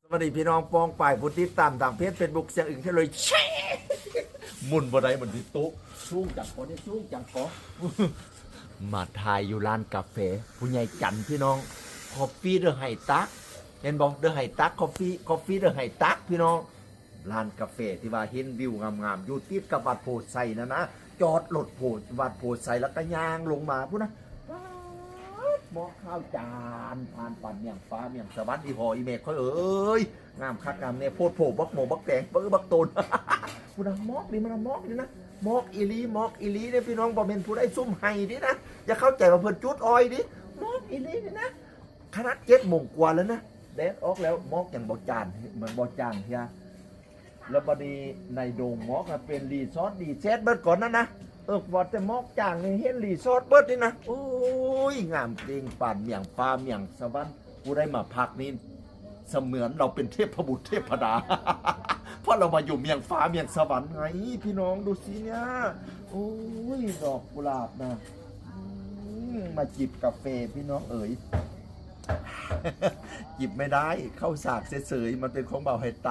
สวัสดีพี่น้องปองป่ายผู้ติดตามทางเพจเฟซบุ๊กเสียงอึ่งที่เลยแช่หมุนบ่ได้เหมือนที่ตุ๊กสู้จังขอได้สู้จังขอมาทายอยู่ร้านกาแฟผู้ใหญ่จันพี่น้องคอฟฟี่เดอะไฮตักเห็นบอกเดอะไฮตักคอฟฟี่เดอะไฮตักพี่น้องร้านกาแฟที่ว่าเห็นวิวงามๆอยู่ติดกับวัดโพไซนะจอดรถโพวัดโพไซแล้วก็ย่างลงมาพูดนะหม้อข้าวจานผ่านปั่นเมียงฟ้าเมียงสวรรค์อีหออีเมฆเขาเอ้ยงามคักงามเนี่ยโพดโผบักโมบักแตงเปิ้บักโตนพูดนะมอกนี่มันมอกนี่นะมอกอีลีเนี่ยพี่น้องบอกเป็นผู้ได้ซุ่มไห้ดินะอย่าเข้าใจว่าเพิ่นจุดอ้อยดิมอกอีลีนี่นะขนาด7 โมงกว่าแล้วนะแดดออกแล้วมอกอย่างบ่จานเหมือนบ่จางเฮียแล้วบัดนี้ในโดงมอกเป็นรีสอร์ทดีเซตเบิดก่อนนะว่าแต่มอกจางนี่เห็นรีสอร์ทเบิดนี่นะโอ้ยงามจริงป่านเมียงฟ้าเมียงสวรรค์ผู้ได้มาพักนี่เสมือนเราเป็นเทพบุตรเทพดา เพราะเรามาอยู่เมียงฟ้าเมียงสวรรค์ไงพี่น้องดูสิเนี่ยโอ้ยดอกกุหลาบนะมาจิบกาแฟพี่น้องเอ๋ย จิบไม่ได้เข้าสากเสยๆมันเป็นของเบาให้ไต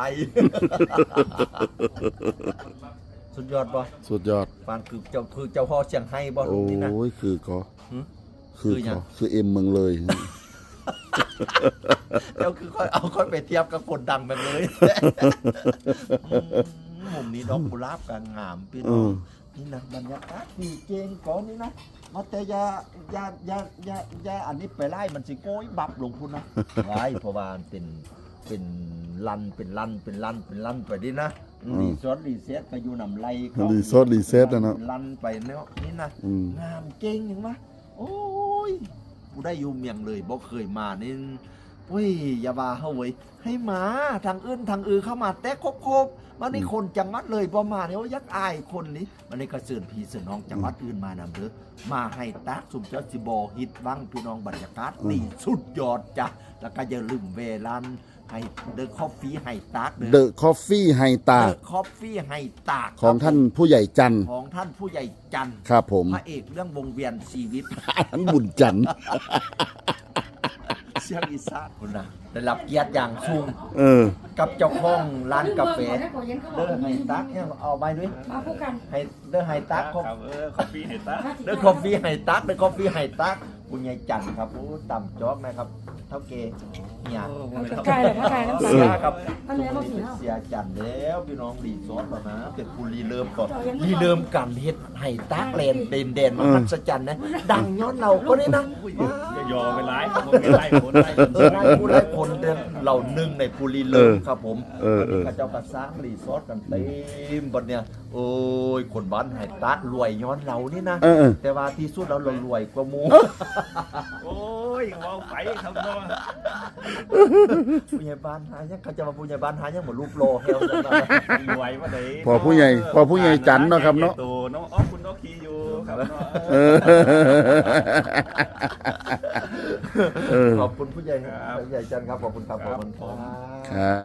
สุดยอดบ่สุดยอดปานคือเจ้าพ่อเชียงไฮ้บ่ลูกนี่นะโอ้ยคือก็คือเอ็มเมืองเลยเจ้าคือค่อยไปเทียบกับคนดังแบบเลย มุมนี้ดอกกุหลาบกงามพี่น้องนี่นะบรรยากาศดีเจงก่อนนี่นะมาแต่ยาอันนี้ไปไล่มันสิโกยบับลงพุ่นนะไว้เพราะว่าเป็นลันไปดินะรีสอร์ทรีเซ็ตไปอยู่นำไรรีสอร์ทรีเซ็ตนะลันไปเนาะนี่นะงามเก่งอย่างวะโอ้ยกูได้อยู่เมียงเลยบ่เคยมานี่เว้ยอย่าว่าเฮาเว้ยให้มาทางอื่นเข้ามาแต่ครบมันนี่คนจังหวัดเลยบ่มาเนี่ยยักอายคนนี้มันนี่ก็เชิญพี่เชิญน้องจังหวัดอื่นมานำเด้อมาให้ตักสุมเจ้าสิบ่ฮิตวังพี่น้องบรรยากาศดีสุดยอดจ้ะแล้วก็อย่าลืมเวลาให้เดอะคอฟฟี่ให้ตากเดอะคอฟฟี่ไฮตากเดอะคอฟฟี่ให้ตากของท่านผู้ใหญ่จันทร์ของท่านผู้ใหญ่จันทร์ครับผมพระเอกเรื่องวงเวียนชีวิตท่านบุญจันทร์เสียงอีสานคนน่ะได้รับเกียรติอย่างสูงกับเจ้าของร้านกาแฟเดอะไฮตักเนี่ยเอาไปด้วยมาคู่กันให้เดอะไฮตักคอฟฟี่ไฮตักเดอะคอฟฟี่ไฮตักคุณยายจันทร์ครับต่ำจ๊อกนะครับเท่าเกเนี่ยไกลเลยถ้าไกลน้ำเสียครับอันนี้เขาสีเสียจันทร์แล้วพี่น้องรีสอร์ทแล้วนะเป็นผู้รีเริ่มก่อนรีเริ่มกันเฮ็ดไฮตักแลนเด่นมหัศจรรย์นะดังย้อนเราก็ได้นะยอไปไล่ผมไล่คนไล่คนเราหนึ่งในผู้รีเริ่มครับผมข้าเจ้าก็สร้างรีสอร์ทกันเต็มบัดเนี่ยโอ้ยคนบ้านไฮตักรวยย้อนเรานี่นะแต่ว่าที่สุดเรารวยกว่าหมู่โอ้ยมองไปครับน้องผู้ใหญ่บ้านหายังเขาจะมาผู้ใหญ่บ้านหายังเหมือนรูปโลเฮลจังเลยรวยมาเลยพอผู้ใหญ่จันทร์เนาะครับเนาะตัวน้องคุณน้องขี่อยู่ครับขอบคุณผู้ใหญ่จันทร์ครับขอบคุณครับครับ